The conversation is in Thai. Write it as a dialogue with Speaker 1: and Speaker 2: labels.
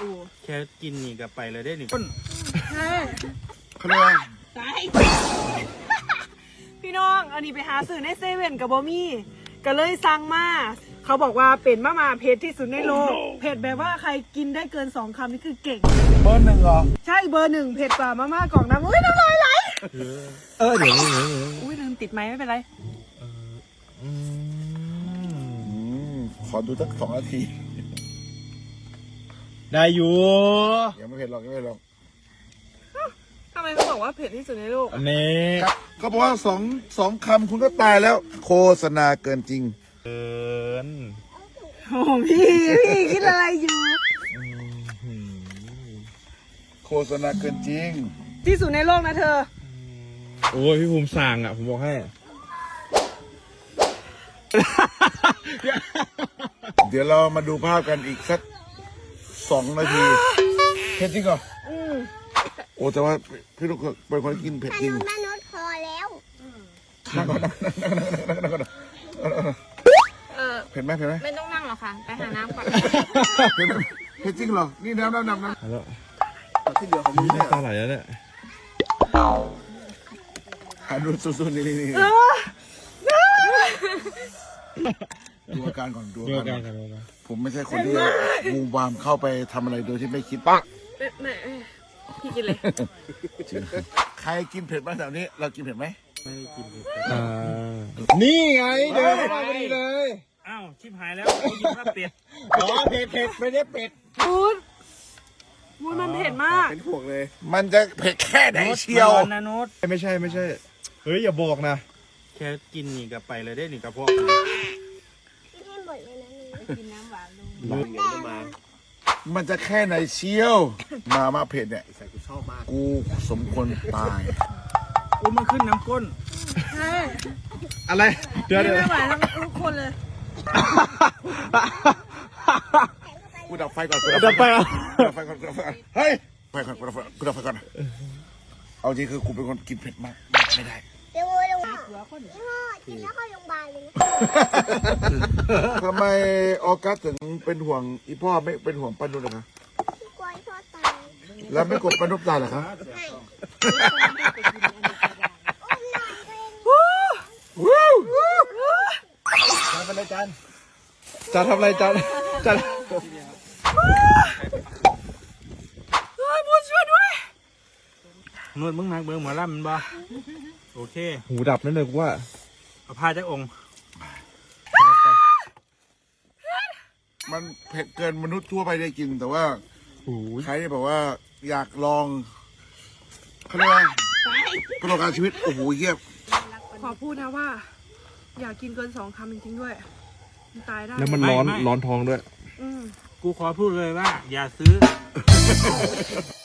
Speaker 1: แค่กินนี่ก็ไปเลยได้หนึ่ง
Speaker 2: ใช่
Speaker 3: เขาเรียกว่า
Speaker 2: ตายพี่น้องอันนี้ไปหาซื้อในเซเว่นกับบอมี่ก็เลยสั่งมาเขาบอกว่าเป็นมะม่าเผ็ดที่สุดในโลกเผ็ดแบบว่าใครกินได้เกิน2 คำนี่คือเก่ง
Speaker 3: เบอร์ 1เหรอ
Speaker 2: ใช่เบอร์ 1เผ็ดกว่ามะม่ากล่องน้ำอุ้ยน้ำลายไหล
Speaker 1: เดี๋ยว
Speaker 2: อุ้ยลืมติดไม้ไม่เป็นไร
Speaker 3: ขอดูสัก2 นาที
Speaker 1: ได้อยู่
Speaker 3: ยังไม่เผ็ดหรอกยังไม่เผ็ดหรอก
Speaker 2: ทำไมเขาบอกว่าเผ็ดที่สุดในโลก
Speaker 1: อันนี้
Speaker 3: ครับเขาบอกว่าสองคำคุณก็ตายแล้ว โฆษณาเกินจริง
Speaker 1: เกิน
Speaker 2: โอ้พี่คิดอะไรอยู่
Speaker 3: โฆษณาเกินจริง
Speaker 2: ที่สุดในโลกนะเธอ
Speaker 1: โอ้ยพี่ภูมิสั่งอ่ะผมบอกให้
Speaker 3: เดี๋ยวเรามาดูภาพกันอีกสัก2 นาทีเผ็ดจริงเหรอโอ้แต่ว่าพี่ลูกเป็นคนกินเผ็ดจริง
Speaker 4: แม่นุชพอแล้ว
Speaker 3: นั่งก่อนนั่งก่อนเผ็ดไหมเผ็ดไหม
Speaker 4: ไม่ต้องนั่งหรอกค่ะ ไปหาน้ำก่อน
Speaker 3: เผ็ดไหมเผ็ดจริงเหรอนี่น้ำ
Speaker 1: แล้ว
Speaker 3: ที่เหลือของมึงเนี่ย
Speaker 1: ตาไหลแล้วเนี่ย
Speaker 3: หาดูสู้ๆนี่ดูอาการก่อนดู
Speaker 1: ดู
Speaker 3: อา
Speaker 1: อา
Speaker 3: การ
Speaker 1: การ
Speaker 3: ก่อน
Speaker 1: กันเลยนะ
Speaker 3: ผมไม่ใช่คนที่มูวามเข้าไปทำอะไรโดยที่ไม่คิดปัก
Speaker 2: แม่พี่กินเลย
Speaker 3: ใครกินเผ็ดบ้างแถวนี้เรากินเผ็ดไหม
Speaker 1: ไม่ได้กินเลยนี่ไงเดินเข้ามาพอดีเลย อ้าวชิบหายแล้วเขากินข้าวเป็ด
Speaker 3: อ๋อเผ็ดไม่ได้เป็ด
Speaker 2: พูดมันเผ็ดมาก
Speaker 3: เป็นพวกเลย มันจะเผ็ดแค่ไหนเชียว
Speaker 1: มันร้อนนะโน้ต
Speaker 5: ไม่ใช่เฮ้ยอย่าบอกนะ
Speaker 1: แค่กินนี่ก็ไปเลยได้หนึ่งกระเพาะ
Speaker 4: กินให้หมดเลยนะนี่กินน้ำหวานลง
Speaker 3: มันจะแค่ไหนเชียว มาเผ็ดเนี่ยกูสมควรตาย
Speaker 1: อุ้ยมันขึ้นน้ำก้น
Speaker 2: ใช่
Speaker 5: อะไรเดี๋ยว
Speaker 2: ไม่ไหวทั้งทุกคนเลย
Speaker 3: กูดับไฟก่อน
Speaker 5: จะไปอ่ะ
Speaker 3: ดับไฟก่อนเฮ้ยไฟก่อนกูดับไฟก่อนเอาจริงคือกูเป็นคนกินเผ็ดมากไม่ได้
Speaker 4: เดี๋ยวลงพี่พ่อกินแล้วเข้าโรงพยาบาลเลยนะ
Speaker 3: ทำไมออกัสถึงเป็นห่วงอีพ่อไม่เป็นห่วงป้านุชเหรอคะ
Speaker 4: พี่กลัวให้พ่อตาย
Speaker 3: แล้วไม่กดป้านุชตายเหรอคะ
Speaker 5: ทำอะไรจานจะทำอะไรจานจะ
Speaker 2: พูดช่วยด้วย
Speaker 1: นวดมึงนักเบิ้งหมอลำมันบ่โอเค
Speaker 5: หูดับนั่นเลยกูว่า
Speaker 1: เอาผ้าจากองค์
Speaker 3: มันเผ็ดเกินมนุษย์ทั่วไปได้กินแต่ว่าใครที่แบบว่าอยากลองเขาเรียกว่าประสบการณ์ชีวิตโอ้โหเยี่ยม
Speaker 2: ขอพูดนะว่า อยากกินเกิน2 คำจริงๆด้วยมันตายได้
Speaker 5: แล้วมันร้อนท้องด้วย
Speaker 2: อืม
Speaker 1: กูขอพูดเลยว่า อย่าซื้อ